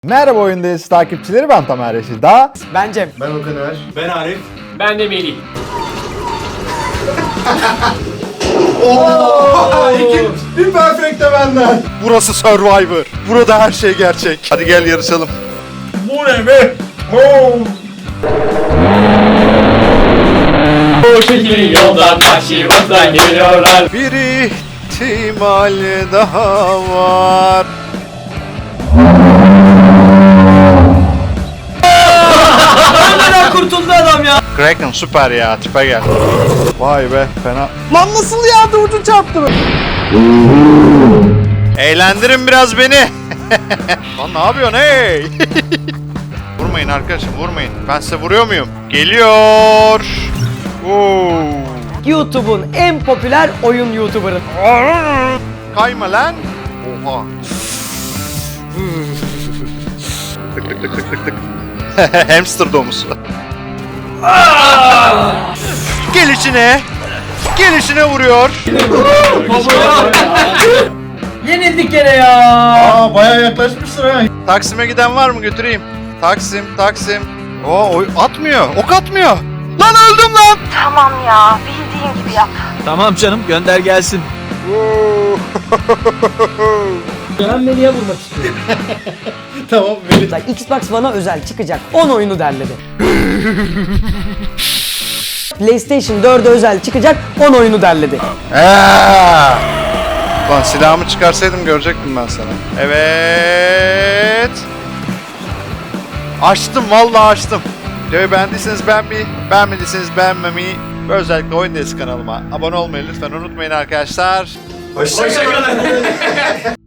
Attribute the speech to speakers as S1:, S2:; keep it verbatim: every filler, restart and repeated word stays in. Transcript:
S1: Merhaba Oyundayız takipçileri, ben Tamer Reşid'a.
S2: Ben Cem.
S3: Ben Okan Er.
S4: Ben Arif.
S5: Ben de Melih.
S3: Ooo! İki, bir perfect de benden.
S6: Burası Survivor. Burada her şey gerçek. Hadi gel yarışalım.
S4: Bu ne be? Oh.
S5: Bu şehrin yoldan başımızdan geliyorlar.
S6: Bir ihtimal daha var.
S2: Hemen kurtuldu adam ya.
S6: Kraken süper ya, tipe gel.
S1: Vay be, fena.
S2: Lan nasıl yağdı, ucu çarptı mı?
S6: Eğlendirin biraz beni. Lan ne yapıyorsun hey? Vurmayın arkadaşım, vurmayın. Ben size vuruyor muyum? Geliyor. Oo.
S2: YouTube'un en popüler oyun YouTuber'ı.
S6: Kayma lan. Oha. tık tık tık tık tık tık. Hamster domuzu. Gelişine. Gelişine vuruyor.
S2: Yenildik gene ya.
S3: Aa bayağı yaklaşmışsın ha.
S6: Taksim'e giden var mı, götüreyim? Taksim, Taksim. Oo, oy atmıyor. Ok atmıyor. Lan öldüm lan.
S7: Tamam ya, bildiğin gibi yap.
S8: Tamam canım, gönder gelsin.
S2: Ben Melih'e vurmak istiyorum.
S3: Tamam Melih.
S2: Xbox One'a özel çıkacak on oyunu derledi. PlayStation dörde özel çıkacak on oyunu derledi.
S6: Aa! Lan silahımı çıkarsaydım görecektim ben sana. Evet. Açtım, vallahi açtım. Videoyu beğendiyseniz beğenmeyi, beğenmediyseniz beğenmemeyi ve özellikle Oyundayız kanalıma abone olmayı lütfen unutmayın arkadaşlar.
S3: Hoşçakalın.